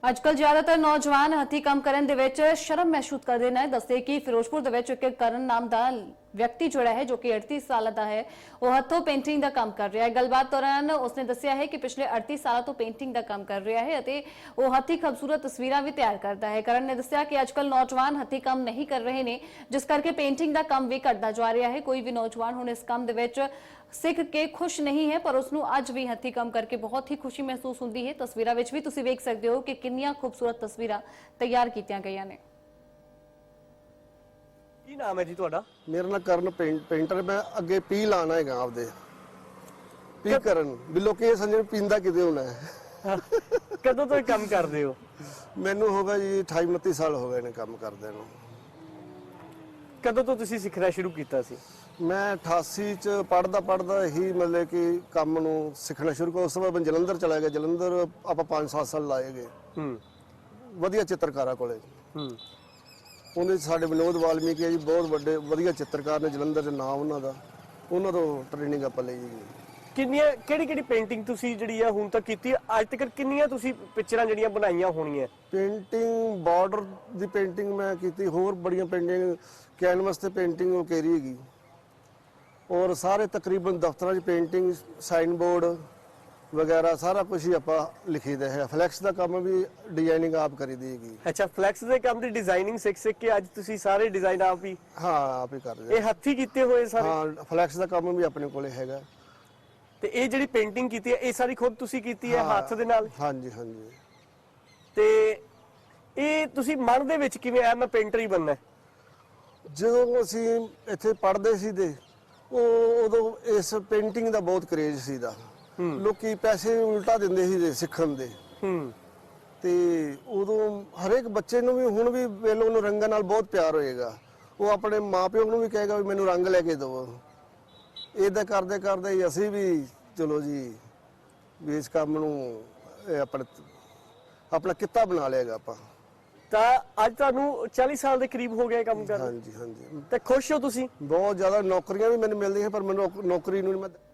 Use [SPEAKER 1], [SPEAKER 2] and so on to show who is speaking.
[SPEAKER 1] ਅੱਜਕੱਲ ਜ਼ਿਆਦਾਤਰ ਨੌਜਵਾਨ ਹੱਥੀਂ ਕੰਮ ਕਰਨ ਦੇ ਵਿੱਚ ਸ਼ਰਮ ਮਹਿਸੂਸ ਕਰਦੇ ਨੇ। ਦੱਸਦੇ ਕਿ ਫਿਰੋਜ਼ਪੁਰ ਦੇ ਵਿੱਚ ਇੱਕ ਕਰਨ ਨਾਮ ਦਾ ਵਿਅਕਤੀ ਜਿਹੜਾ ਹੈ, ਜੋ ਕਿ 38 ਸਾਲ ਦਾ ਹੈ, ਉਹ ਹੱਥੋਂ ਪੇਂਟਿੰਗ ਦਾ ਕੰਮ ਕਰ ਰਿਹਾ ਹੈ। ਗੱਲਬਾਤ ਦੌਰਾਨ ਉਸਨੇ ਦੱਸਿਆ ਹੈ ਕਿ ਪਿਛਲੇ 38 ਸਾਲਾਂ ਤੋਂ ਪੇਂਟਿੰਗ ਦਾ ਕੰਮ ਕਰ ਰਿਹਾ ਹੈ ਅਤੇ ਉਹ ਹੱਥੀਂ ਖੂਬਸੂਰਤ ਤਸਵੀਰਾਂ ਵੀ ਤਿਆਰ ਕਰਦਾ ਹੈ। ਕਰਨ ਨੇ ਦੱਸਿਆ ਕਿ ਅੱਜਕੱਲ ਨੌਜਵਾਨ ਹੱਥੀਂ ਕੰਮ ਨਹੀਂ ਕਰ ਰਹੇ ਨੇ, ਜਿਸ ਕਰਕੇ ਪੇਂਟਿੰਗ ਦਾ ਕੰਮ ਵੀ ਘਟਦਾ ਜਾ ਰਿਹਾ ਹੈ। ਕੋਈ ਵੀ ਨੌਜਵਾਨ ਹੁਣ ਇਸ ਕੰਮ ਦੇ ਵਿੱਚ ਸਿੱਖ ਕੇ ਖੁਸ਼ ਨਹੀਂ ਹੈ, ਪਰ ਉਸਨੂੰ ਅੱਜ ਵੀ ਹੱਥੀਂ ਕੰਮ ਕਰਕੇ ਬਹੁਤ ਹੀ ਖੁਸ਼ੀ ਮਹਿਸੂਸ ਹੁੰਦੀ ਹੈ। ਤਸਵੀਰਾਂ ਵਿੱਚ ਵੀ ਤੁਸੀਂ ਵੇਖ ਸਕਦੇ ਹੋ ਕਿ ਕਿੰਨੀਆਂ ਖੂਬਸੂਰਤ ਤਸਵੀਰਾਂ ਤਿਆਰ ਕੀਤੀਆਂ ਗਈਆਂ ਨੇ।
[SPEAKER 2] ਕੀ ਨਾਮ ਹੈ ਜੀ ਤੁਹਾਡਾ?
[SPEAKER 3] ਮੇਰਾ ਨਾਮ ਕਰਨ ਪੇਂਟਰ। ਮੈਂ ਅੱਗੇ ਪੀ ਲਾਣਾ ਹੈਗਾ ਆਪਦੇ ਪੀ ਕਰਨ ਵੀ ਲੋਕੀ ਇਹ ਸਮਝਣ ਪੀਂਦਾ ਕਿਤੇ ਹੋਣਾ ਹੈ।
[SPEAKER 2] ਕਦੋਂ ਤੋਂ ਇਹ ਕੰਮ ਕਰਦੇ ਹੋ?
[SPEAKER 3] ਮੈਨੂੰ ਹੋ ਗਿਆ ਜੀ 28 29 ਸਾਲ ਹੋ ਗਏ ਨੇ ਕੰਮ ਕਰਦੇ ਨੂੰ।
[SPEAKER 2] ਕਦੋਂ ਤੋਂ ਤੁਸੀਂ ਸਿੱਖਣਾ ਸ਼ੁਰੂ ਕੀਤਾ ਸੀ?
[SPEAKER 3] ਮੈਂ 88 ਚ ਪੜਦਾ ਹੀ ਮਤਲਬ ਕਿ ਕੰਮ ਨੂੰ ਸਿੱਖਣਾ ਸ਼ੁਰੂ ਕਰ। ਉਸ ਤੋਂ ਬਾਅਦ ਮੈਂ ਜਲੰਧਰ ਚਲਾ ਗਿਆ। ਜਲੰਧਰ ਆਪਾਂ 5-7 ਸਾਲ ਲਾਏ ਗਏ। ਵਧੀਆ ਚਿੱਤਰਕਾਰਾਂ ਕੋਲੇ। ਉਹਦੇ ਸਾਡੇ ਵਿਨੋਦ ਵਾਲਮੀਕੀ ਹੈ ਜੀ, ਬਹੁਤ ਵੱਡੇ ਵਧੀਆ ਚਿੱਤਰਕਾਰ ਨੇ ਜਲੰਧਰ ਦੇ ਨਾਮ ਉਹਨਾਂ ਦਾ। ਉਹਨਾਂ ਤੋਂ ਟ੍ਰੇਨਿੰਗ ਆਪਾਂ ਲਈ ਜੀ।
[SPEAKER 2] ਕਿਹੜੀ ਪੇਂਟਿੰਗ ਤੁਸੀਂ ਜਿਹੜੀ ਆ ਹੁਣ ਤੱਕ ਕੀਤੀ ਹੈ? ਅੱਜ ਤੱਕ ਕਿੰਨੀਆਂ ਤੁਸੀਂ ਪਿਕਚਰਾਂ ਜਿਹੜੀਆਂ ਬਣਾਈਆਂ ਹੋਣੀਆਂ?
[SPEAKER 3] ਪੇਂਟਿੰਗ ਬਾਰਡਰ ਦੀ ਪੇਂਟਿੰਗ ਮੈਂ ਕੀਤੀ, ਹੋਰ ਬੜੀਆਂ ਪੇਂਟਿੰਗ ਕੈਨਵਸ ਤੇ ਪੇਂਟਿੰਗ ਉਹ ਕਰੀ ਹੈਗੀ। ਔਰ ਸਾਰੇ ਤਕਰੀਬਨ ਦਫ਼ਤਰਾਂ 'ਚ ਪੇਂਟਿੰਗ, ਸਾਈਨ ਬੋਰਡ ਵਗੈਰਾ ਸਾਰਾ ਕੁਝ ਹੀ ਆਪਾਂ ਲਿਖੀਦਾ ਹੈ। ਫਲੈਕਸ ਦਾ ਕੰਮ ਵੀ ਡਿਜ਼ਾਈਨਿੰਗ ਆਪ ਕਰੀਦੀ ਹੈਗੀ।
[SPEAKER 2] ਅੱਛਾ, ਫਲੈਕਸ ਦੇ ਕੰਮ ਦੀ ਡਿਜ਼ਾਈਨਿੰਗ ਸਿੱਖ ਕੇ ਅੱਜ ਤੁਸੀਂ ਸਾਰੇ ਡਿਜ਼ਾਈਨ ਆਪ ਹੀ?
[SPEAKER 3] ਹਾਂ, ਆਪ ਹੀ ਕਰਦੇ।
[SPEAKER 2] ਇਹ ਹੱਥੀਂ ਕੀਤੇ ਹੋਏ ਸਾਰੇ?
[SPEAKER 3] ਹਾਂ, ਫਲੈਕਸ ਦਾ ਕੰਮ ਵੀ ਆਪਣੇ ਕੋਲੇ ਹੈਗਾ।
[SPEAKER 2] ਤੇ ਇਹ ਜਿਹੜੀ ਪੇਂਟਿੰਗ ਕੀਤੀ ਹੈ, ਇਹ ਸਾਰੀ ਖੁਦ ਤੁਸੀਂ ਕੀਤੀ ਹੈ ਹੱਥ ਦੇ ਨਾਲ?
[SPEAKER 3] ਹਾਂਜੀ ਹਾਂਜੀ।
[SPEAKER 2] ਤੇ ਇਹ ਤੁਸੀਂ ਮਨ ਦੇ ਵਿੱਚ ਕਿਵੇਂ ਆਇਆ ਮੈਂ ਪੇਂਟਰ ਹੀ ਬਣਨਾ?
[SPEAKER 3] ਜਦੋਂ ਅਸੀਂ ਇੱਥੇ ਪੜ੍ਹਦੇ ਸੀ ਤੇ ਉਦੋਂ ਇਸ ਪੇਂਟਿੰਗ ਦਾ ਬਹੁਤ ਕਰੇਜ਼ ਸੀਦਾ। ਲੋਕੀ ਪੈਸੇ ਉਲਟਾ ਦਿੰਦੇ ਸੀ ਸਿੱਖਣ ਦੇ। ਤੇ ਉਦੋਂ ਹਰੇਕ ਬੱਚੇ ਨੂੰ ਵੀ ਹੁਣ ਵੀ ਵੇਲੋ ਨੂੰ ਰੰਗਾਂ ਨਾਲ ਬਹੁਤ ਪਿਆਰ ਹੋਏਗਾ। ਉਹ ਆਪਣੇ ਮਾਪਿਓ ਨੂੰ ਵੀ ਕਹੇਗਾ ਵੀ ਮੈਨੂੰ ਰੰਗ ਲੈ ਕੇ ਦਿਓ। ਇਦਾਂ ਕਰਦੇ ਕਰਦੇ ਹੀ ਅਸੀਂ ਵੀ ਚਲੋ ਜੀ ਵੀ ਇਸ ਕੰਮ ਨੂੰ ਆਪਣਾ ਕਿੱਤਾ ਬਣਾ ਲਿਆਗਾ ਆਪਾਂ।
[SPEAKER 2] ਤਾਂ ਅੱਜ ਤੁਹਾਨੂੰ 40 ਸਾਲ ਦੇ ਕਰੀਬ ਹੋ ਗਏ ਕੰਮ ਕਰਦੇ?
[SPEAKER 3] ਹਾਂਜੀ ਹਾਂਜੀ।
[SPEAKER 2] ਤੇ ਖੁਸ਼ ਹੋ ਤੁਸੀਂ?
[SPEAKER 3] ਬਹੁਤ ਜ਼ਿਆਦਾ। ਨੌਕਰੀਆਂ ਵੀ ਮੈਨੂੰ ਮਿਲਦੀਆਂ ਪਰ ਮੈਨੂੰ ਨੌਕਰੀ ਨੂੰ ਮੈਂ